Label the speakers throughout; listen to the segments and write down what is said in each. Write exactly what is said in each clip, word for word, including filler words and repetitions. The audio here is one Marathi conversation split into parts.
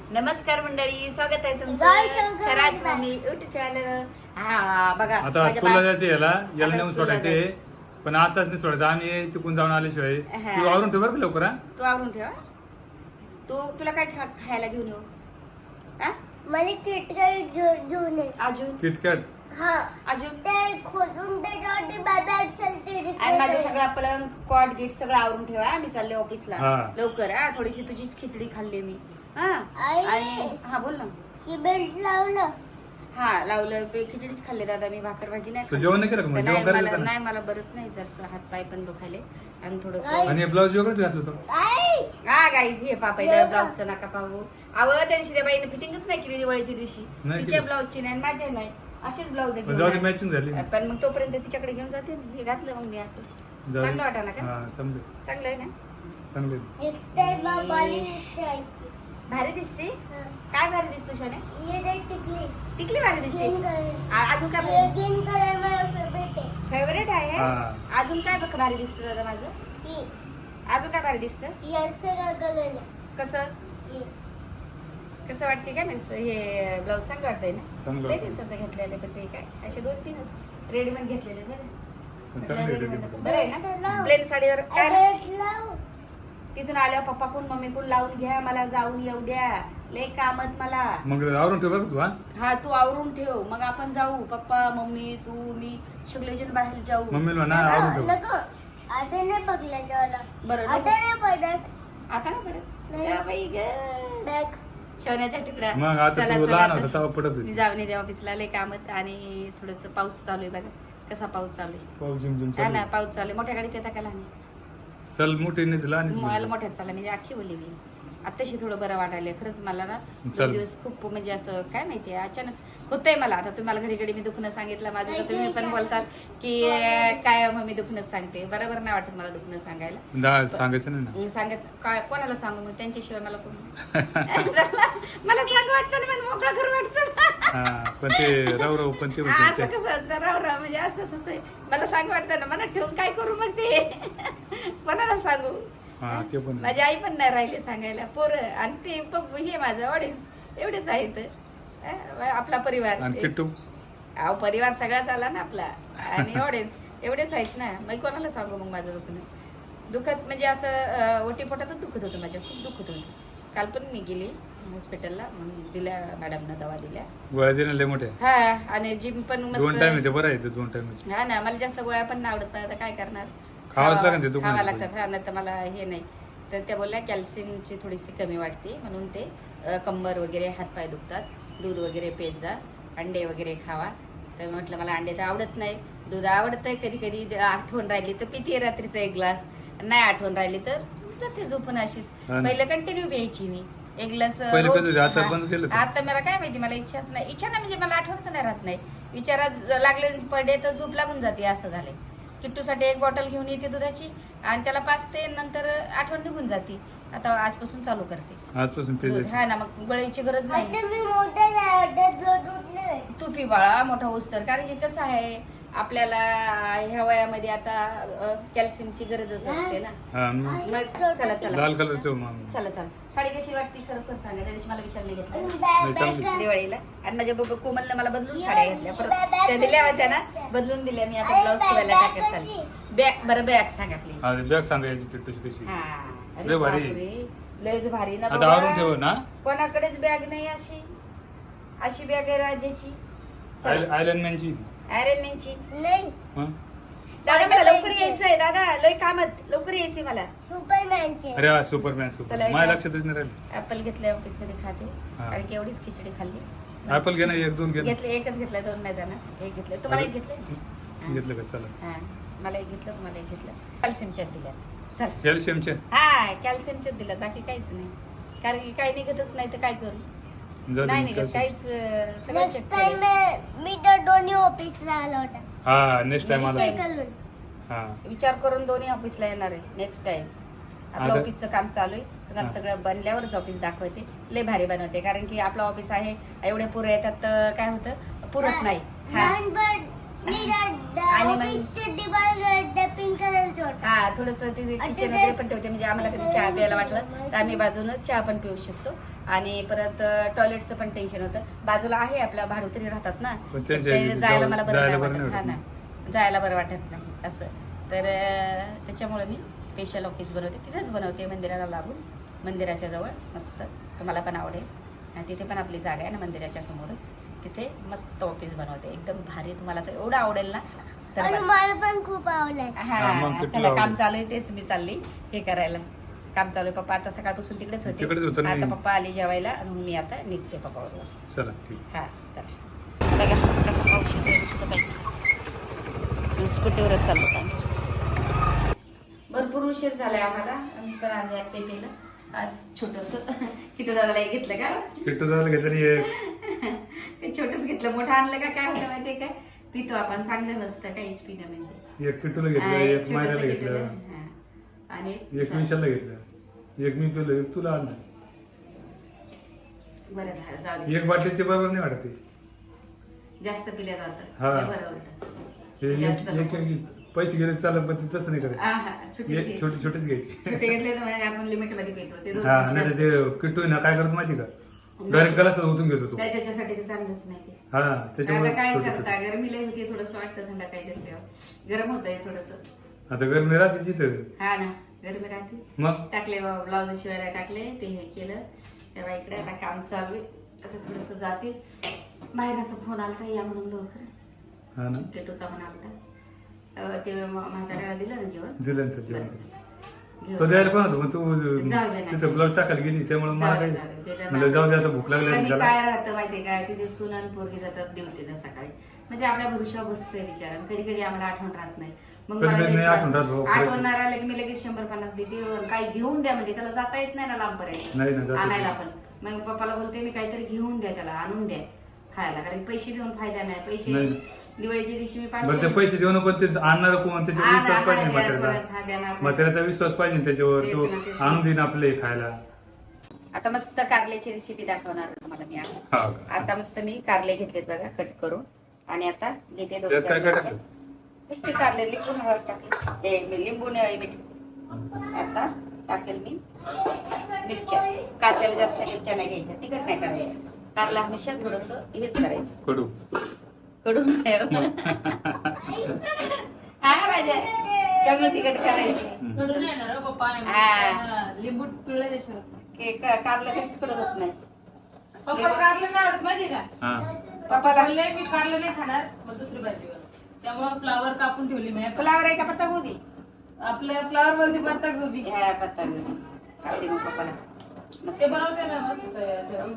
Speaker 1: नमस्कार मंडळी, स्वागत आहे तुमचं खरात मम्मी युट्यूब चॅनल. हा बघा,
Speaker 2: आता स्कूलला जायचं, याला याला नेऊन सोडायचे, पण आताच नाही सोडायचं. आम्ही तिकून जाऊन आल्याशिवाय तू आवरून ठेव बरं का लवकर.
Speaker 1: तू आवरून ठेव. तू तुला काय खायला घेऊन येऊ?
Speaker 3: मला किटकॅट घेऊन ये.
Speaker 1: अजून
Speaker 2: किटकॅट.
Speaker 3: हा,
Speaker 1: अजून
Speaker 3: ते खोदून त्याच्यावरती बाबा असेल
Speaker 1: आणि माझं सगळं पलंग कॉट गीट सगळं आवरून ठेवा. मी चालले ऑफिसला
Speaker 2: हा.
Speaker 1: लवकर. हा, थोडीशी तुझीच खिचडी खाल्ली मी. हा
Speaker 3: आई.
Speaker 1: आणि हा बोल ना.
Speaker 3: ही बेल्ट लावलं.
Speaker 1: हा लावलं. पे- खिचडीच खाल्ली दादा मी, भाकर भाजी नाही
Speaker 2: तू
Speaker 1: खाल्ली.
Speaker 2: जेवण नाही केलं का मग?
Speaker 1: नाही,
Speaker 2: जेवण करायचं
Speaker 1: मला-
Speaker 2: होतं ना?
Speaker 1: नाही मला बरंच नाही, जरसं हात पाय पण दुखायले आणि थोडस.
Speaker 2: आणि ब्लाऊज वेगळंच घातलं होतं.
Speaker 3: आई,
Speaker 1: हा गाईज, हे पापाईला ब्लाऊजचं नका पाहू. अव त्या दिवशी त्या बाईने फिटिंगच नाही केली दिवाळीच्या दिवशी.
Speaker 2: नाही
Speaker 1: तिच्या
Speaker 2: केली.
Speaker 1: ब्लाऊजची नाही, माझ्या नाही. अशीच ब्लाऊज
Speaker 2: पण जाऊ दे, मॅचिंग झाली.
Speaker 1: पण मग तोपर्यंत तिच्याकडे घेऊन जाते ना. हे घातलं मग मी असं.
Speaker 2: जाऊ दे.
Speaker 1: चांगलं वाटा ना का?
Speaker 2: हा, चांगलं
Speaker 1: चांगलं आहे ना?
Speaker 2: चांगले.
Speaker 3: नेक्स्ट टाइम बाबाला जायची.
Speaker 1: भारी दिसते.
Speaker 3: हा.
Speaker 1: काय भारी दिसते शोने?
Speaker 3: ये देख टिकली.
Speaker 1: टिकली भारी दिसते.
Speaker 3: Green colour.
Speaker 1: आ- अजून काय
Speaker 3: ये ग्रीन कलर माझा फेवरेट आहे.
Speaker 1: फेवरेट आहे?
Speaker 2: हा.
Speaker 1: अजून काय बघ भारी दिसतं दादा माझं?
Speaker 3: ही
Speaker 1: अजून काय भारी दिसतं?
Speaker 3: ही असं का कलर आहे?
Speaker 1: कसं
Speaker 3: ही.
Speaker 1: कसं वाटते काय म्हणजे हे ब्लाऊज चांगलं वाटतंय ना?
Speaker 2: चांगलं
Speaker 1: लय
Speaker 2: वाटतंय.
Speaker 1: दिवसाचं घेतलेलं तर ते काय असे दोन तीन रेडीमेड घेतलेले
Speaker 2: पण चांगले
Speaker 1: बरं
Speaker 2: readymade.
Speaker 1: बरं आहे ना? प्लेन साडीवर काय ना?
Speaker 3: बेल्ट लाव.
Speaker 1: तिथून आल्यावर पप्पा कोण मम्मी कोण लावून घ्या, मला जाऊन येऊ द्या, लय कामत मला.
Speaker 2: मग आवरून ठेव बरं का तू. हा,
Speaker 1: हा तू आवरून ठेव, मग आपण जाऊ. पप्पा मम्मी तू मी सगळेजण बाहेर जाऊ.
Speaker 2: मम्मीला म्हणा आवरून ठेव.
Speaker 3: नको. आता नाही बघला जेवायला.
Speaker 1: बरं
Speaker 3: आता
Speaker 1: नको.
Speaker 3: नाही पडत.
Speaker 1: आता ना पडत
Speaker 3: नाही.
Speaker 1: या बाई गं.
Speaker 3: देख.
Speaker 1: सोन्याचा तुकडा.
Speaker 2: मग आता
Speaker 1: चला,
Speaker 2: तू
Speaker 1: चला,
Speaker 2: लहान
Speaker 1: आता.
Speaker 2: होता तेव्हा पडत
Speaker 1: मी
Speaker 2: होती.
Speaker 1: जाऊन येते ऑफिसला, लय कामत. आणि थोडस पाऊस चालू आहे बघा, कसा पाऊस चालू आहे.
Speaker 2: पाऊस जिम जिम
Speaker 1: हा ना,
Speaker 2: चालू.
Speaker 1: पाऊस चालू आहे. मोठ्या गाडीत येता का लहान?
Speaker 2: चल मोठी नाही तुला आणि
Speaker 1: मला मोठ्यात चालला म्हणजे अख्खी बोलली मी. आत्ताशी थोडं बरं वाटायला खरंच मला ना.
Speaker 2: चल.
Speaker 1: दोन दिवस खूप म्हणजे असं काय माहितीये अचानक होतंय मला. आता तुम्हाला घडी घडी मी दुखणं सांगितलं माझं, तर तुम्ही पण बोलतात की काय मग मी दुखणंच सांगते. बरोबर नाही वाटत मला दुखणं सांगायला.
Speaker 2: दा- सांगायचं नाही ना.
Speaker 1: मग सांगत काय कोणाला सांगू मग? त्यांच्याशिवाय मला कोण मला सांग वाटतं ना, मला मोकळं घर वाटतं.
Speaker 2: हा, पण ते राव राव पण ते
Speaker 1: हा, असं
Speaker 2: होते.
Speaker 1: कसं तर राव राव म्हणजे असं तसं आहे. मला सांग वाटतं ना, मला ठेवून काय करू मग ते कोणाला सांगू?
Speaker 2: हा, ते पण आहे.
Speaker 1: माझी आई पण नाही राहिली सांगायला. पोरं आणि ते पप्पू हे माझं ऑडियन्स एवढेच आहेत. अं, आपला परिवार.
Speaker 2: आणि किट्टू.
Speaker 1: अहो परिवार सगळाच आला ना आपला. आणि ऑडियन्स एवढेच आहेत ना. मग कोणाला सांगू मग माझं दुखणं? दुखत म्हणजे असं ओटी पोटातच दुखत होतं माझ्या, खूप दुखत होतं. काल पण मी गेली हॉस्पिटलला, मग दिल्या मॅडमनं दवा दिल्या.
Speaker 2: गोळ्या देणं लय मोठे.
Speaker 1: हा, आणि जिम पण
Speaker 2: दोन टाइम
Speaker 1: मस्त.
Speaker 2: येते बरं आहे ते दोन टाइम.
Speaker 1: हा ना, मला जास्त गोळ्या पण नाही आवडत. आता काय करणार?
Speaker 2: खावाच लागेल ते दुकानात.
Speaker 1: खावा लागतात. हा, नाही तर मला हे नाही. तर त्या बोलल्या कॅल्शियमची थोडीशी कमी वाटते, म्हणून ते अ, कंबर वगैरे हातपाय दुखतात, दूध वगैरे पेत जा, अंडे वगैरे खावा. तर म्हटलं मला अंडे तर आवडत नाही, दूध आवडतंय. कधी कधी आठवण राहिली तर पिते रात्रीचा एक ग्लास, नाही आठवण राहिली तर जाते झोपून अशीच.
Speaker 2: हा ना.
Speaker 1: पहिलं कंटिन्यू प्यायची मी एक ग्लास
Speaker 2: पहिले
Speaker 1: रोज.
Speaker 2: पित होती, आता
Speaker 1: हा.
Speaker 2: बंद केलं का?
Speaker 1: आता मला काय माहिती, मला इच्छाच नाही. इच्छा नाही म्हणजे मला आठवणच नाही राहत नाही. विचारात लागले पडे तर झोप लागून जाते, असं झालंय. किट्टूसाठी एक बॉटल घेऊन येते दुधाची आणि त्याला पाचते, नंतर आठवण निघून जाते. आता आजपासून चालू करते
Speaker 2: आजपासून
Speaker 1: दूध.
Speaker 2: पेज.
Speaker 1: हा ना, मग गोळ्याची गरज नाही.
Speaker 3: आता मी मोठा नाही वाटत, दूध उठलं.
Speaker 1: तू पी बाळा मोठा होस तर. कारण की कसं आहे, आपल्याला ह्या वयामध्ये आता कॅल्शियमची गरजच असते ना.
Speaker 2: हा, मग
Speaker 1: मग चला चला
Speaker 2: लाल कलरचं मग.
Speaker 1: चला चला. साडी कशी वाटते खरं खरं सांगा. त्या दिवशी मला विशालने घेतलं
Speaker 2: नाही, चांगली.
Speaker 1: दिवाळीला, आणि माझ्या बब कोमलने मला बदलून साड्या घेतल्या. परत त्या दिल्या होत्या ना, बदलून दिल्या. मी आता ब्लाऊज शिवायला टाकत चालली. बॅग बरं बॅग सांगा प्लीज.
Speaker 2: हा, बॅग सांगायची किट्टूची कशी.
Speaker 1: हा, अरे
Speaker 2: लय भारी.
Speaker 1: बापरे, लयच भारी ना
Speaker 2: आता आवरून ठेव
Speaker 1: बाबा.
Speaker 2: ना.
Speaker 1: कोणाकडेच बॅग नाही अशी. अशी बॅग आहे राजाची.
Speaker 2: आयलंड मॅनची.
Speaker 1: आयरन मॅनची.
Speaker 3: नाही.
Speaker 2: हं?
Speaker 1: दादा मला लवकर यायचंय. दादा लय कामात, लवकर यायचंय मला.
Speaker 3: सुपरमॅनचे.
Speaker 2: अरे वा, सुपरमॅन
Speaker 1: चला,
Speaker 2: सुपर.
Speaker 1: एक
Speaker 2: माझ्या
Speaker 1: आप-
Speaker 2: लक्षातच नाही राहिलं.
Speaker 1: ऍपल घेतलंय ऑफिस मध्ये खाते,
Speaker 2: हा.
Speaker 1: कारण की एवढीच खिचडी खाल्ली.
Speaker 2: ऍपल घे ना, एक दोन घे ना.
Speaker 1: घेतले, एकच घेतलंय, दोन नाही जाणार. एक घेतलंय. तुम्हाला एक घेतलंय?
Speaker 2: घेतलं का? चला.
Speaker 1: हा, मला एक घेतलं, तुम्हाला एक घेतलं. कॅल्शियमच्यात दिल्या. चल.
Speaker 2: कॅल्शियमचे.
Speaker 1: हा, कॅल्शियमच्यात दिलं, बाकी काहीच नाही. कारण की काही निघतच नाही तर काय करू?
Speaker 2: जाऊ दे,
Speaker 1: नाही निघत
Speaker 2: calcium.
Speaker 1: काहीच. अं, सगळं
Speaker 3: नेक्स्ट
Speaker 1: check
Speaker 3: टाइम
Speaker 1: केलं.
Speaker 3: मी तर दोन्ही ऑफिसला आला होता.
Speaker 2: हा, नेक्स्ट टाइम
Speaker 1: Next
Speaker 2: आला.
Speaker 1: time.
Speaker 3: करून.
Speaker 2: हा.
Speaker 1: विचार करून दोन्ही ऑफिसला येणार आहे नेक्स्ट टाइम. आपलं
Speaker 2: आता-
Speaker 1: ऑफिसचं काम चालू आहे. तुम्हाला
Speaker 2: हा.
Speaker 1: सगळं बनल्यावरच ऑफिस दाखवते. लय भारी बनवते, कारण की आपलं ऑफिस आहे, एवढे पुरे येतात तर काय होतं, पुरत नाही. हा.
Speaker 3: लहानपण मी
Speaker 1: आणि मग-
Speaker 3: ऑफिसचे दिवाल पिंक कलरचे होता.
Speaker 1: हा, थोडस किचन वगैरे पण ठेवते, म्हणजे आम्हाला कधी चहा प्यायला वाटलं तर आम्ही बाजूनं चहा पण पिऊ शकतो. आणि परत टॉयलेटचं पण टेन्शन होतं. बाजूला आहे आपल्या भाडोत्री राहतात ना,
Speaker 2: पण
Speaker 1: ते
Speaker 2: त्यांच्या
Speaker 1: जायला मला बरं
Speaker 2: जायला
Speaker 1: नाही
Speaker 2: बरं
Speaker 1: वाटत.
Speaker 2: नाही
Speaker 1: हा ना, जायला बरं वाटत नाही असं. तर अं, त्याच्यामुळे मी स्पेशल ऑफिस बनवते, तिथेच बनवते मंदिराला लागून, मंदिराच्या जवळ मस्त. तुम्हाला पण आवडेल. आणि तिथे पण आपली जागा आहे ना मंदिराच्या समोरच, तिथे मस्त ऑफिस बनवते एकदम भारी. तुम्हाला तर एवढं आवडेल ना. तर
Speaker 3: आणि
Speaker 1: बघा.
Speaker 3: मला पण खूप आवडलं.
Speaker 2: हा, मग
Speaker 1: हा
Speaker 2: ते
Speaker 1: चला,
Speaker 2: तुला
Speaker 1: काम
Speaker 2: आवडेल.
Speaker 1: चालू आहे तेच मी चालली हे करायला. काम चालू आहे. पप्पा आता सकाळपासून तिकडेच
Speaker 2: तिकडेच
Speaker 1: होते.
Speaker 2: होतं ना
Speaker 1: आता
Speaker 2: मी.
Speaker 1: पप्पा आली जेवायला आणि मी आता निघते पप्पाबरोबर.
Speaker 2: चला ठीक.
Speaker 1: हा चला. बघा कसा पाऊस येतोय नुसतं बाई. स्कूटीवरच चाललो होतो आम्ही. भरपूर उशीर झालाय आम्हाला. आम्ही पण आज एक ते पिलं. आज छोटस किटू दादाला एक घेतलं का?
Speaker 2: किट्टू दादाला घेतलं नाही एक.
Speaker 1: ते छोटच घेतलं, मोठं आणलं का काय होतं माहितीये काय? पितो आपण, चांगलं नसतं काहीच पिणं म्हणजे.
Speaker 2: एक किट्टूला घेतलं,
Speaker 1: हा,
Speaker 2: एक
Speaker 1: छोटंसं
Speaker 2: मायराला
Speaker 1: किटूला,
Speaker 2: घेतलं,
Speaker 1: हा. आणि
Speaker 2: एक विशालला घेतलं, एक मी पिलं, एक तुला आणलं.
Speaker 1: बरं झालं, जाऊ दे.
Speaker 2: एक बाटली ते बरोबर नाही वाटत ते.
Speaker 1: जास्त पिल्या जातं
Speaker 2: हा.
Speaker 1: हे बरं उलटं.
Speaker 2: हे
Speaker 1: जास्त
Speaker 2: एक- एक एक पैसे गेले चालत, पण ते तसं नाही
Speaker 1: हा,
Speaker 2: करायचं.
Speaker 1: हा, छोटीच
Speaker 2: हे
Speaker 1: घे.
Speaker 2: छोटे छोटेच घ्यायचे.
Speaker 1: छोटे घेतले तर म्हणजे आपण लिमिट मध्ये पितो ते दोन
Speaker 2: हा,
Speaker 1: मिनिटं
Speaker 2: नाही तर
Speaker 1: जास्त.
Speaker 2: ते किट्टू आहे ना काय करतो माहिती का, डायरेक्ट गलास ओतून घेतो तो.
Speaker 1: नाही, त्याच्यासाठी ते चांगलंच नाही ते.
Speaker 2: हा, त्याच्यामुळे
Speaker 1: आता काय
Speaker 2: छोटे
Speaker 1: करता,
Speaker 2: छोटे.
Speaker 1: गरमी लई होती, थोडस वाटतं थंड काहीतरी प्यावं. गरम होतंय थोडस.
Speaker 2: आता गरमी राहते तिथं.
Speaker 1: हा ना, गरमी राहते.
Speaker 2: मग
Speaker 1: टाकले ब्लाऊज शिवायला टाकले, ते हे केलं. तेव्हा इकडे आता काम चालू आहे. आता थोडस जाते. माहेराचा फोन आलता या म्हणून लवकर.
Speaker 2: हा ना,
Speaker 1: केटूचा पण आलता. अं, ते म्हाताऱ्याला दिलं ना जेवण.
Speaker 2: दिलं ना जेवण.
Speaker 1: घेऊन.
Speaker 2: तो द्यायला पण होतो, पण तू
Speaker 1: जाऊ दे ना.
Speaker 2: तिथं ब्लाऊज टाकायला गेली त्यामुळे मला
Speaker 1: जाऊ दे,
Speaker 2: काही
Speaker 1: जाऊ दे. त्याच्या
Speaker 2: म्हणलं जाऊ दे, आता भूक लागली
Speaker 1: कधी
Speaker 2: त्याला.
Speaker 1: काय राहतं माहितीये काय, तिचे सुनन पोरगी जातात ड्युटीला सकाळी, म्हणजे आपल्या भरोशावर बसतंय विचार. कधी कधी आम्हाला आठवण राहत नाही. मग
Speaker 2: कधी
Speaker 1: मला
Speaker 2: कधी
Speaker 1: लई
Speaker 2: नाही
Speaker 1: त्रास
Speaker 2: आठवण राहत
Speaker 1: होतो.
Speaker 2: भाऊ, खरंच.
Speaker 1: आठवण नाही राहिलं की मी लगेच शंभर पन्नास देते. काही घेऊन द्या म्हणजे त्याला जाता येत नाही ना लांब पर्यंत
Speaker 2: नाही ना, जाता येत
Speaker 1: आणायला
Speaker 2: नाही.
Speaker 1: पण. मग पप्पाला बोलते मी काहीतरी घेऊन द्या त्याला, आणून द्या खायला, कारण पैसे देऊन फायदा नाही. पैसे
Speaker 2: नाही.
Speaker 1: दिवाळीच्या दिवशी मी
Speaker 2: बरं ते
Speaker 1: पाचशे
Speaker 2: पैसे देऊन पण ते आणणार कोण, त्याच्यावर
Speaker 1: हा,
Speaker 2: विश्वास
Speaker 1: हा,
Speaker 2: पाहिजे
Speaker 1: हा,
Speaker 2: म्हाताऱ्याचा.
Speaker 1: हा, देणार नाही.
Speaker 2: म्हाताऱ्याचा विश्वास पाहिजे त्याच्यावर,
Speaker 1: तेच
Speaker 2: तो
Speaker 1: ना, तेच.
Speaker 2: आणून देईन आपले खायला.
Speaker 1: आता मस्त कारल्याची रेसिपी दाखवणार तुम्हाला मी आज.
Speaker 2: हा का?
Speaker 1: आता मस्त मी कारले घेतलेत बघा कट करून, आणि आता घेते दोन
Speaker 2: त्यात
Speaker 1: चार
Speaker 2: काय काय
Speaker 1: मिरच्या.
Speaker 2: टाकलं?
Speaker 1: नुसते कारले, लिंबू हळद टाकले, ए, मी लिंबू नाही मीठ. आता टाकेल मी मिरच्या. कारल्याला जास्त मिरच्या नाही घ्यायच्या, तिखट नाही करायचं. कारला हमेशा थोडस हेच करायचं,
Speaker 2: कडू.
Speaker 1: कडून नाही. हा माझ्या कमी तिखट करायची.
Speaker 4: कडून येणार हो पप्पा.
Speaker 1: हा.
Speaker 4: लिंबू पिळलं त्याच्यावर.
Speaker 1: के- का- कारलं कधीच कडत होत नाही.
Speaker 4: पप्पा कारलं नाही आवडत माहिती का?
Speaker 2: हा,
Speaker 1: पप्पाला
Speaker 4: बोलले मी कारलं नाही खाणार, मग दुसरी भाजीवर. त्यामुळे फ्लावर कापून ठेवली मी.
Speaker 1: फुलावर आहे का पत्ता गोबी?
Speaker 4: आपल्या फ्लावर मध्ये पत्ता गोबी
Speaker 1: ह्या पत्ता गोबी खाऊ दे मग पप्पाला. मस्त
Speaker 4: ते बनवते ना मस्त याच्यावर.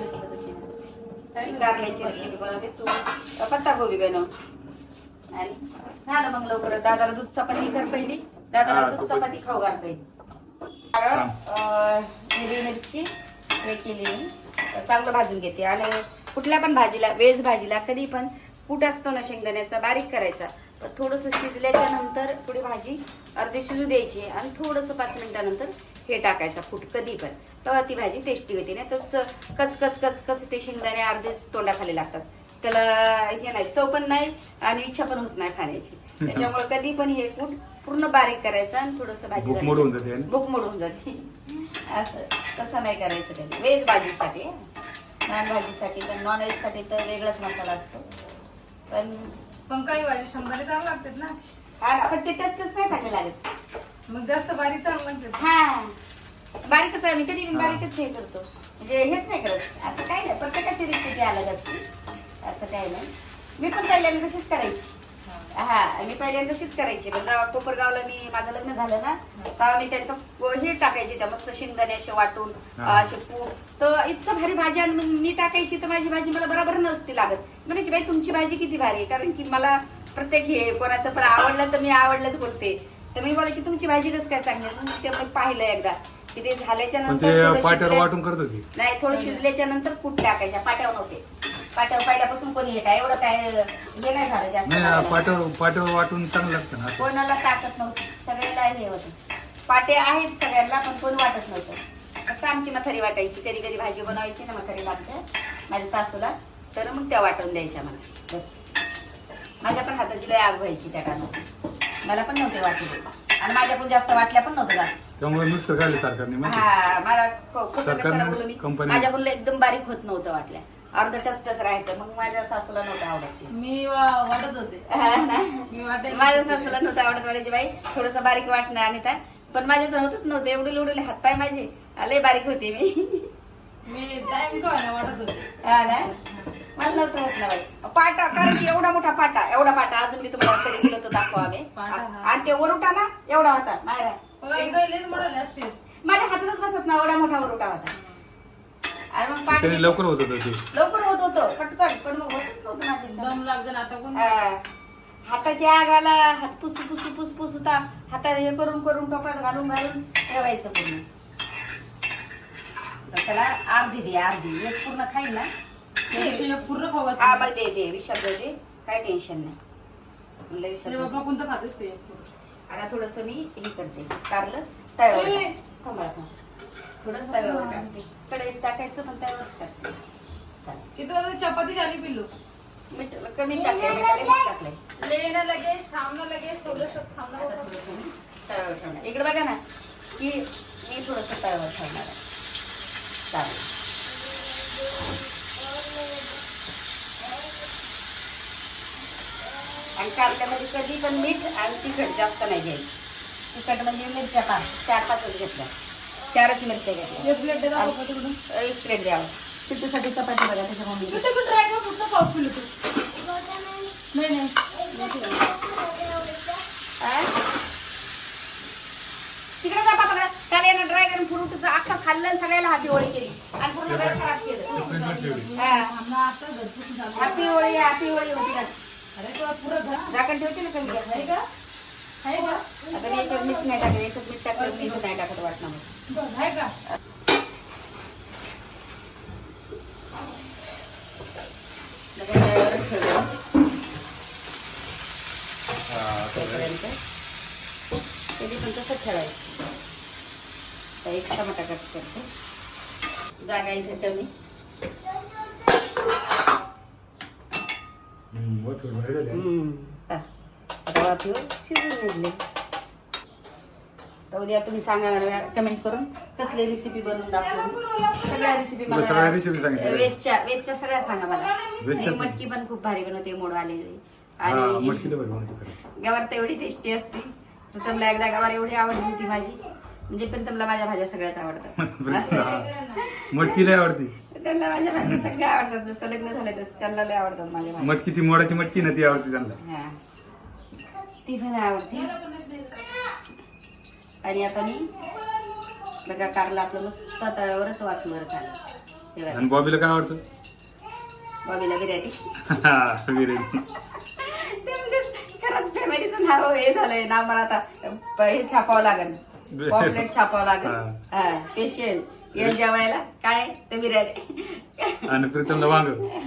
Speaker 1: बनवते कारल्याची रेसिपी बनवते तू, पत्ता गोबी बनव. आणि झालं मग लवकर. दादाला दूध चपाती कर पहिली. दादाला
Speaker 2: हा,
Speaker 1: दूध
Speaker 2: खूपच.
Speaker 1: चपाती खाऊ घाल पहिली. कारण अं, हिरवी मिरची हे केली मी, चांगलं भाजून घेते. आणि कुठल्या पण भाजीला, व्हेज भाजीला कधी पण कूट असतो ना शेंगदाण्याचा, बारीक करायचा. तर थोडंसं शिजल्याच्या नंतर थोडी भाजी अर्धी शिजू द्यायची, आणि थोडंसं पाच मिनिटानंतर हे टाकायचं कूट कधी पण, तेव्हा ती भाजी टेस्टी होती. नाही तर कच कच कच कच ते शेंगदाणे अर्धेच तोंडाखाली लागतात, त्याला हे नाही, चव पण नाही आणि इच्छा पण होत नाही खाण्याची. त्याच्यामुळे कधी पण हे कूट पूर्ण बारीक करायचं आणि थोडंसं भाजी
Speaker 2: भूक मोडून जाते है ना?
Speaker 1: भूक मोडून जाते. असं तसं नाही करायचं कधी. व्हेज भाजीसाठी, नॉन भाजीसाठी तर नॉन व्हेज साठी तर वेगळाच मसाला असतो. पण
Speaker 4: पण काही भाजी शंभर चांगलं लागतात ना.
Speaker 1: हा, आपण ते तसंच नाही टाकलं लागत.
Speaker 4: मग जास्त बारीक चांगलं लागतात.
Speaker 1: हा, बारीकच आहे. मी कधी मी बारीकच हे करतो, म्हणजे हेच नाही करत. असं काय नाही, प्रत्येकाची रेसिपी अलग असते, असं काही नाही. मी पण पहिल्यांदा तशीच करायची. हा, मी पहिल्यांदा तशीच करायची. पण जेव्हा कोपरगावला मी माझं लग्न झालं ना, तेव्हा मी त्यांचं हे टाकायचे, त्या मस्त शेंगदाणे असे वाटून असे पूड, तर इतकं भारी भाजी. आणि मी टाकायची तर माझी भाजी मला बरोबर नसती लागत. म्हणायची बाई तुमची भाजी किती भारी आहे, कारण की मला प्रत्येक हे कोणाचं पण आवडलं तर मी आवडलंच बोलते. तर मी बोलायची तुमची भाजी कसं काय चांगली आहे. ते पण पाहिलं एकदा की ते झाल्याच्या
Speaker 2: पण
Speaker 1: नंतर
Speaker 2: ते
Speaker 1: थोडं
Speaker 2: पाट्यावर
Speaker 1: शिजल्या-
Speaker 2: वाटून करत होती.
Speaker 1: नाही, थोडं शिजल्याच्या नंतर कूट टाकायच्या. पाट्यावर नव्हते, पाट्यावर पहिल्यापासून कोणी हे काय एवढं काय हे नाही झालं जास्त.
Speaker 2: नाही, पाट्यावर पाट्यावर वाटून चांगलं लागतं ना.
Speaker 1: कोणाला टाकत नव्हती, सगळ्याला हे होतं. पाटे आहेत सगळ्यांना, पण कोण वाटत नव्हतं. फक्त आमची म्हातारी वाटायची. कधी कधी भाजी बनवायची ना म्हातारीला आमच्या, माझ्या सासूला, तर मग त्या वाटून द्यायच्या मला. बस, माझ्या पण हाताची लय आग व्हायची त्या कामात. मला पण नव्हते वाटले, आणि माझ्या पण जास्त वाटल्या पण नव्हतं जात.
Speaker 2: त्यामुळे मिक्सर काढले सरकारने माहिती
Speaker 1: हा मला खो- खोटं
Speaker 2: सरकारने
Speaker 1: कशाला बोलू मी
Speaker 2: कंपनी-
Speaker 1: माझ्याकडून एकदम बारीक होत नव्हतं वाटल्या अर्ध टचटच राहायचं मग माझ्या सासूला नव्हतं आवडत ते.
Speaker 4: मी वा- वाटत होते
Speaker 1: हा ना?
Speaker 4: मी वाटेल
Speaker 1: माझ्या सासूला नव्हतं आवडत म्हणायची बाई थोडस बारीक वाटणं आणि त्या पण माझ्या होतच नव्हतं एवढे उडले हातपाय माझे लय बारीक होते मी
Speaker 4: मी टाइम का ना वाटत होते
Speaker 1: हा ना मला नव्हतं होत ना बाई पाटा कारण की एवढा मोठा पाटा एवढा पाटा अजून मी तुम्हाला कधी गेलो होतो दाखवा आम्ही
Speaker 4: पाटा, हा.
Speaker 1: आणि ते वरुटा ना एवढा होता मायरा
Speaker 4: बघा इकडे लेच मोडाले असते
Speaker 1: माझ्या हातातच बसत ना एवढा मोठा वरुटा होता आणि मग पाणी
Speaker 2: त्याने लवकर होत होतं ते
Speaker 1: लवकर होत होतं पटकन पण मग होतच नव्हतं माझ्या
Speaker 4: दम लागजन आता कोण
Speaker 1: हा. हाताची आग आला हात पुसू पुसू पुसू पुसता हातात हे करून करून टोपात घालून घालून ठेवायचं पूर्ण तर त्याला अर्धी दे अर्धी एक पूर्ण खाईल ना
Speaker 4: टेन्शन पूर्ण
Speaker 1: हा
Speaker 4: खावा
Speaker 1: मग दे दे विशाल दे काय टेन्शन नाही म्हणलं विशाल दे.
Speaker 4: बाबा कोणतं खातेस ते
Speaker 1: आता थोडस मी हे करते कारलं तव्यावर
Speaker 4: ए.
Speaker 1: टाक. थांबा आता. थोडं तव्यावर टाकते कढईत टाकायचं पण तव्यावरच टाकते चालेल.
Speaker 4: किती वाजता चपाती झाली पिल्लू
Speaker 1: मीठ कमी टाकले मीठ मीठ टाकलंय
Speaker 4: लेणं लगेच छामणं लगेच थोडंसं
Speaker 1: आता
Speaker 4: थांबणं
Speaker 1: थोडंसं मी तव्यावर ठेवणार इकडे बघा ना की मी थोडस तव्यावर ठेवणार आहे चालेल आणि कारल्यामध्ये कधी पण मीठ आणि तिखट जास्त नाही घ्यायचं तिखट म्हणजे मिरच्या पाच चार पाचच घेतल्या चारच मिरच्या घेतल्या
Speaker 4: एक प्लेट दे दाखव का तिकडून
Speaker 1: एक प्लेट द्यावं सिद्धूसाठी चपाती बघा त्याच्या
Speaker 4: तू
Speaker 1: मम्मी
Speaker 4: ते पण ट्राय कर कुठलं पाऊस पिल्लू तू नाही नाही
Speaker 1: तिकडे जा पापा काल यानं ड्रॅगन फ्रूटचं अख्खा खाल्लं आणि सगळ्याला हाती होळी केली आणि पूर्ण घर खराब केलं
Speaker 2: फ्रीजला ठेवली
Speaker 1: हा.
Speaker 4: आम्हाला आता घरचं झालं
Speaker 1: हॅपी होळी हॅपी होळी होती ना
Speaker 4: अरे तुला पुरं घर
Speaker 1: झाकण ठेवते ना कमी
Speaker 4: आहे का आहे का
Speaker 1: आता मी याच्यात मीठ नाही टाकत याच्यात मीठ टाकलं मीठ नाही टाकत वाटणार मग
Speaker 4: आहे का
Speaker 1: लगेच तव्यावरच ठेवलं
Speaker 2: हा, असं आहे.
Speaker 1: तोपर्यंत कधी पण तसंच ठेवायचं तर एक टमाटा कट करते जागा इथे कमी
Speaker 2: हम्म, वर ठेवून भारी झाली.
Speaker 1: आता वाफेवर शिजून घेतले तर उद्या तुम्ही सांगा मला कमेंट करून कसली रेसिपी बनवून दाखवू सगळ्या रेसिपी
Speaker 2: तुला सगळ्या
Speaker 1: मला
Speaker 2: रेसिपी सांगितल्या
Speaker 1: वेजच्या वेजच्या सगळ्या सांगा मला
Speaker 2: वेजच्याच
Speaker 1: आणि मटकी पण खूप भारी बनवते मोड आलेली
Speaker 2: हा
Speaker 1: आणि
Speaker 2: मटकीला बरी बनवते खरं.
Speaker 1: गवार तर एवढी टेस्टी असते प्रीतमला एकदा गवार एवढी आवडली होती माझी म्हणजे प्रीतमला माझ्या भाज्या सगळ्याच आवडतात असं.
Speaker 2: मटकी लय आवडती
Speaker 1: त्यांना माझ्या भाज्या सगळ्या आवडतात जसं लग्न झालं तसं त्यांना लय आवडतात माझ्या भाज्या
Speaker 2: मटकी ती मोडाची मटकी ना ती आवडते त्यांना
Speaker 1: हा. ती पण आवडती आणि आता मी बघा कारला आपलं मस्त तव्यावरच वाचूवर झालं
Speaker 2: आणि बॉबीला काय आवडतं
Speaker 1: बॉबीला बिर्याणी
Speaker 2: बिर्याणी
Speaker 1: खरंच फॅमिलीचं नाव हे झालंय नाव मला आता प- हे छापावं लागेल पॉम्पलेट छापावं लागेल हा स्पेशल येल जेवायला काय ते बिर्याणी
Speaker 2: आणि प्रीतमला वांग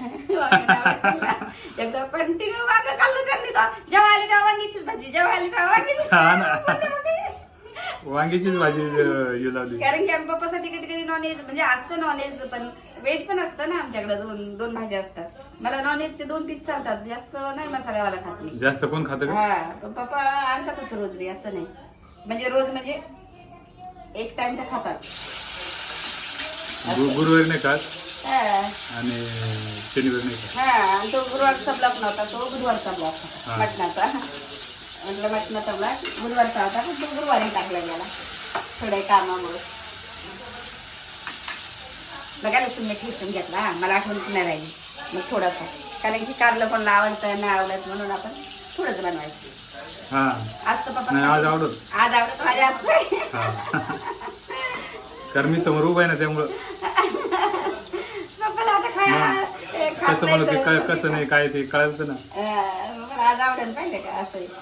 Speaker 1: एकदा कंटिन्यू वांग खाल्लं त्यांनी तर. जेव्हा आली तेव्हा वांगीचीच भाजी जेव्हा आली तेव्हा वांगीचीच
Speaker 2: हा ना.
Speaker 1: भाजी.
Speaker 2: वांगीचीच भाजी अं, हे लावली
Speaker 1: कारण की आम्ही पप्पासाठी कधी कधी नॉनव्हेज म्हणजे असतं नॉनव्हेज पण व्हेज पण असतं ना आमच्याकडे दोन दोन भाज्या असतात मला नॉनव्हेजचे दोन पीस चालतात जास्त नाही मसाल्यावाला खात मी
Speaker 2: जास्त कोण खातं का
Speaker 1: हा पण पप्पा आणतातच रोज बी असं नाही म्हणजे रोज म्हणजे एक टाइम तर खातात
Speaker 2: गु- गुरुवारी नाही खात
Speaker 1: हा
Speaker 2: आणि शनिवारी नाही खात
Speaker 1: हा, आणि तो गुरुवारचा ब्लॉक नव्हता तो बुधवारचा ब्लॉक
Speaker 2: हा.
Speaker 1: होता मटणाचा म्हटलं मटणाचा ब्लॉक बुधवारचा होता पण तो गुरुवारी टाकला गेला थोड्या कामामुळे बघा लसूण मी ठेचून घेतला हा, मला आठवणच नाही राहिली मग थोडासा कारण की कारलं कोणाला आवडतं नाही आवडत म्हणून आपण थोडंच बनवायचं
Speaker 2: हा
Speaker 1: आज तर पप्पा
Speaker 2: नाही आज आवडत
Speaker 1: आज आवडत माझ्या हातचं
Speaker 2: हा कारण मी समोर उभा आहे ना त्यामुळं
Speaker 1: पप्पाला आता काय हे खात
Speaker 2: कसं
Speaker 1: नाही
Speaker 2: मला ते
Speaker 1: तर-
Speaker 2: काय कसं नाही काय ते कळतं ना
Speaker 1: अं, मला आज आवडेल पाहिजे का असं आहे.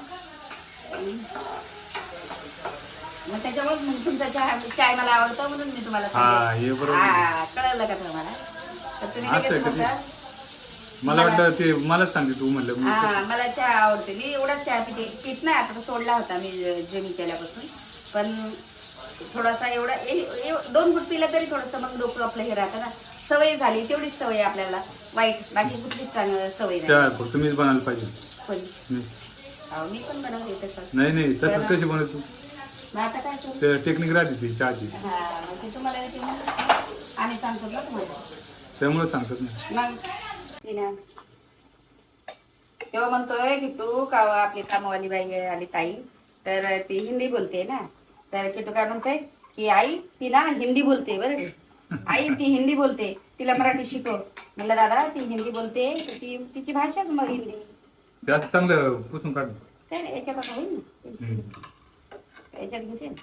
Speaker 1: मग त्याच्यामुळे मग तुमचा चहा चाय मला आवडतो म्हणून मी तुम्हाला
Speaker 2: हा,
Speaker 1: सांगितलं.
Speaker 2: हे बरोबर.
Speaker 1: हा, कळलं का तुम्हाला तर तुम्ही
Speaker 2: असं आहे
Speaker 1: लगेच
Speaker 2: का ते?
Speaker 1: म्हणता,
Speaker 2: मला वाटतं ते मलाच सांगते तू म्हणलं मी
Speaker 1: हा मला चहा आवडते मी एवढाच चहा पिते पित नाही आता तर सोडला होता मी जेमी केल्यापासून पण थोडासा एवढा ए- ए- दोन फूट पिला तरी थोडंसं मग डोकं आपलं हे राहतं ना सवय झाली तेवढीच सवय आहे आपल्याला वाईट बाकी कुठलीच चांगली सवय नाही
Speaker 2: चहा फक्त मीच बनायला पाहिजे
Speaker 1: पण
Speaker 2: मी
Speaker 1: अहो, मी पण बनवते तसंच
Speaker 2: नाही नाही तसंच कशी बनवतो
Speaker 1: मग आता काय करू?
Speaker 2: ते टेक्निक राहते ती चहाची,
Speaker 1: हा मग ते तुम्हाला येते ना, आम्ही सांगतो ना तुम्हाला.
Speaker 2: त्यामुळे सांगतात ना.
Speaker 1: मग तिने तेव्हा म्हणतोय किट्टू का आपली कामवाली बाई आहे आली ताई, तर ती हिंदी बोलते ना, तर किट्टू काय म्हणतोय की आई ती ना हिंदी बोलते बरं का. आई ती हिंदी बोलते, तिला मराठी शिकव. म्हणलं दादा ती हिंदी बोलते तर ती तिची भाषाच मग हिंदी.
Speaker 2: जास्त चांगलं पुसून काढ.
Speaker 1: काय नाही याच्यात आता होईल ना,
Speaker 2: हम्म.
Speaker 1: याच्यात घेते ना,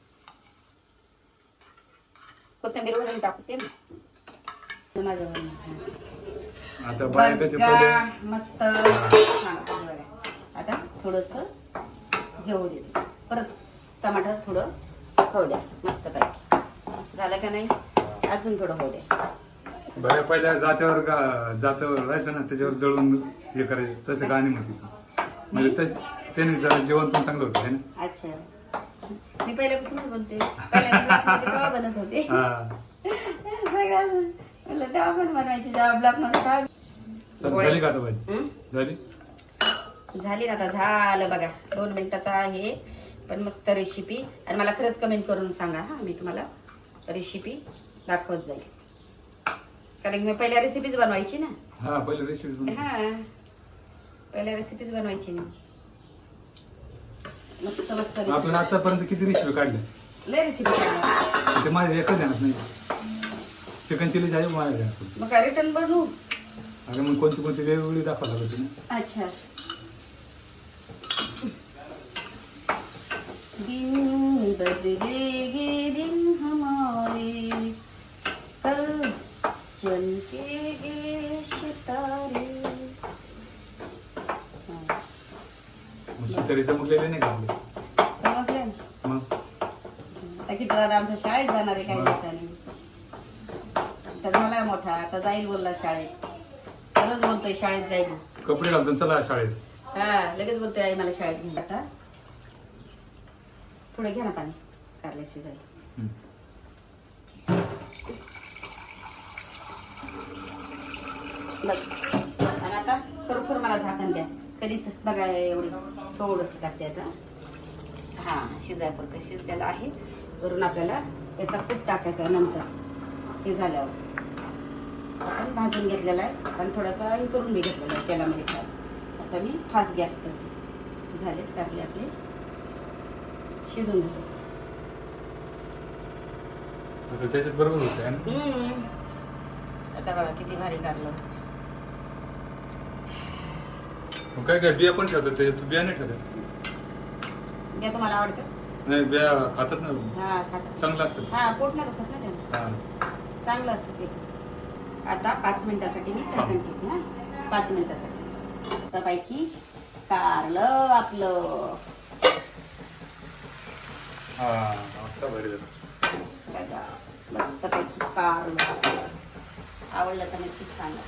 Speaker 1: कोथिंबीर वगैरे टाकते ना. माझं
Speaker 2: आता बाय कसे पहिले
Speaker 1: बघा, मस्त हा, बघा. आता थोडस घेऊ देते, परत टमाटर थोडं होऊ द्या मस्त पैकी. झालं का नाही? अजून थोडं होऊ द्या.
Speaker 2: बऱ्या पहिल्या जात्यावर गा- जात्यावर राहायचं ना, त्याच्यावर दळून हे करायचं, तसं गाणी म्हणते ती. म्हणजे तस त्याने जरा जेवण पण चांगलं होतं है ना.
Speaker 1: अच्छा, मी पहिल्यापासूनच बोलते, पहिल्यांदा तेव्हा बनत होते
Speaker 2: हा.
Speaker 1: सगळं म्हणलं तेव्हा पण बनवायची, जेव्हा ब्लॉक नव्हता.
Speaker 2: चल, झाली का आता भाजी?
Speaker 1: हं?
Speaker 2: झाली.
Speaker 1: झाली ना आता, झालं बघा. दोन मिनिटाचा आहे पण मस्त रेसिपी. आणि मला खरंच कमेंट करून सांगा हा, मी तुम्हाला रेसिपी दाखवत जाईल, कारण मी पहिल्या रेसिपीज बनवायची ना.
Speaker 2: हा पहिले रेसिपी.
Speaker 1: हा पहिल्या रेसिपीज बनवायची ना, मस्त मस्त
Speaker 2: आपण
Speaker 1: रेसिपी.
Speaker 2: आतापर्यंत किती रेसिपी काढल्या?
Speaker 1: लय रेसिपी.
Speaker 2: ते माझ्या एकच ध्यानात नाही. चिकन चिली झाली माझ्या ध्यानात.
Speaker 1: मग काय रिटर्न बनवू?
Speaker 2: अगं मग कोणती कोणती वेगवेगळी दाखवा लागत ना.
Speaker 1: अच्छा. दिन बदलेगे दिन हमारे, कल चमकेगे सितारे.
Speaker 2: तरी चमकलेले नाही का आपले?
Speaker 1: समजलं ना?
Speaker 2: मग
Speaker 1: आता किती दादा आमच्या शाळेत जाणार आहे काही दिवसांनी. तर झाला मोठा, आता जाईल बोलला शाळेत. रोज बोलतोय शाळेत जाईल.
Speaker 2: कपडे घालतो चला शाळेत.
Speaker 1: हा लगेच बोलतोय आई मला शाळेत घेऊन. आता पुढे घ्या ना पाणी, कारल्याशी जाईल.
Speaker 2: हम्म.
Speaker 1: बस. आणि आता खरोखर मला झाकण द्या. कधीच बघा एवढं थोडंसं टाकते आता. हा शिजायपुरतं शिजलेलं आहे. वरून आपल्याला याचा कूट टाकायचा नंतर हे झाल्यावर. आपण भाजून घेतलेला आहे आणि थोडासा हे करून मी घेतलेला आहे तेलामध्ये फ्राय. आता मी फास्ट गॅस करते. झालेत कारले आपले शिजून घेतो.
Speaker 2: असं त्याच्यात बरोबर होतं है ना.
Speaker 1: हम्म. आता बघा किती भारी कारलं.
Speaker 2: मग काय काय बिया पण ठेवतात ते, तू बिया नाही ठेवत?
Speaker 1: या तुम्हाला आवडतं?
Speaker 2: नाही बिया खातात ना,
Speaker 1: हा खाता.
Speaker 2: चांगलं असतं.
Speaker 1: हा पोट नाही दुखत ना त्यानं,
Speaker 2: हा.
Speaker 1: चांगलं असतं ते. आता पाच मिनिटासाठी मी झाकण ठेवते. हा पाच मिनिटासाठी. आता पैकी कारलं आपलं.
Speaker 2: हा आता भारी झालं.
Speaker 1: बघा मस्त पैकी कारलं. आवडलं तर नक्कीच सांगा.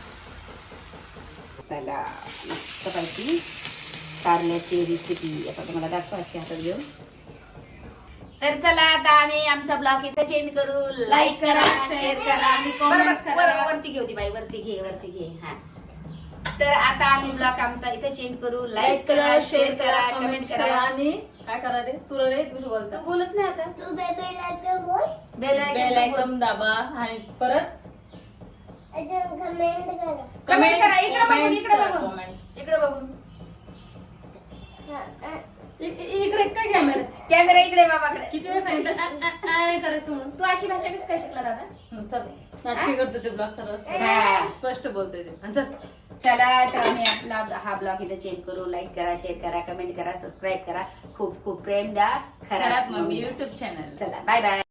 Speaker 1: बघा मस्त पैकी कारल्याची रेसिपी आता तुम्हाला दाखवा अशी हातात घेऊन. तर चला आता आम्ही आमचा ब्लॉग इथे चेंज करू. लाईक करा, शेअर करा आणि कॉमेंट्स करा. वरती घे होती बाई, वरती घे, वरती घे. हा तर आता आम्ही ब्लॉग आमचा इथे चेंज करू. लाईक करा, शेअर करा, कमेंट करा.
Speaker 4: आणि काय करा रे, तुला रे तुझं बोलता
Speaker 1: तू बोलत नाही आता.
Speaker 3: तू बेबी लाईक बोल.
Speaker 1: बेल
Speaker 4: बेल आयकॉन दाबा आणि परत
Speaker 3: अजून कमेंट करा.
Speaker 1: कमेंट करा. इकडे बघून,
Speaker 4: Comments
Speaker 1: इकडे
Speaker 4: करा,
Speaker 1: बघून,
Speaker 4: comments.
Speaker 1: इकडे बघून.
Speaker 3: हा, हा.
Speaker 4: इ- इ- इकडे काय कॅमेरा?
Speaker 1: कॅमेरा इकडे बाबाकडे.
Speaker 4: किती वेळ सांगितलं आ- आ- आ नाही करायचं म्हणून.
Speaker 1: तू अशी भाषा कसं काय शिकला दादा?
Speaker 4: हं, चल नाटकी करतो ते ब्लॉग चालू
Speaker 1: हा.
Speaker 4: असतं. स्पष्ट बोलतोय ते. हं, चल.
Speaker 1: चला तर आम्ही आपला हा ब्लॉग इथे चेंज करू. लाईक करा, शेअर करा, कमेंट करा, सबस्क्राईब करा. खूप खूप प्रेम द्या.
Speaker 4: खराब
Speaker 1: खराब
Speaker 4: मम्मी
Speaker 1: मम्मी.
Speaker 4: YouTube channel.
Speaker 1: चला बाय बाय.